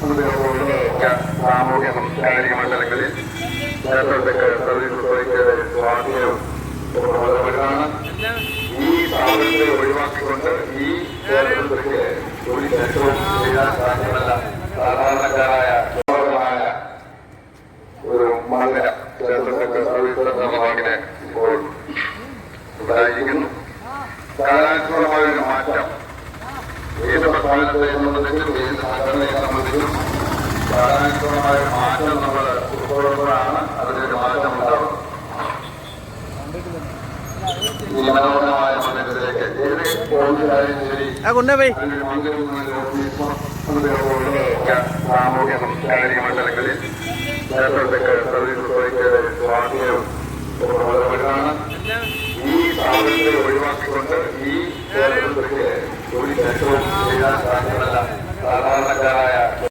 സാമൂഹ്യ സാംസ്കാരിക മണ്ഡലങ്ങളിൽ ക്ഷേത്രത്തൊക്കെ സർവീസ് ഓഥോറിറ്റിയുടെ സ്വാധീനവും പ്രബലമാണ്. ഈ സ്ഥാപനത്തെ ഒഴിവാക്കിക്കൊണ്ട് ഈ ക്ഷേത്രത്തിലേക്ക് ഒരു ക്ഷേത്രവും ചെയ്യാൻ സാധ്യമല്ല. സാധാരണക്കാരായ ഒരു മന്ദിരം ക്ഷേത്രത്തൊക്കെ സർവീസ് ഭാഗിനെ ഇപ്പോൾ ഉണ്ടായിരിക്കുന്നു. കാലാനുസൃതമായ ഒരു മാറ്റം ഏത് പ്രസ്ഥാനത്തെ സംബന്ധിച്ചും ഏത് സംഘടനയെ സംബന്ധിച്ചും കാലാനുസൃതമായ ഒരു മാറ്റം നമ്മൾ ഉൾക്കൊള്ളുമ്പോഴാണ് അതിനൊരു മാറ്റം ഉണ്ടാവുന്നത്. ഈ മനോഹരമായ മന്ദിരത്തിലേക്ക് ഏത് ഓഫീസായാലും ശരി സാമൂഹ്യ സാംസ്കാരിക മണ്ഡലങ്ങളിൽ ക്ഷേത്രത്തൊക്കെ സർവീസ് ഓഥോറിറ്റിയുടെ സ്വാധീനവും പ്രബലമാണ്. ഈ സ്ഥാപനത്തെ ഒഴിവാക്കിക്കൊണ്ട് ഈ ക്ഷേത്രത്തിലേക്ക് ഒരു ക്ഷേത്രവും ചെയ്യാൻ സാധ്യമല്ല. സാധാരണക്കാരായ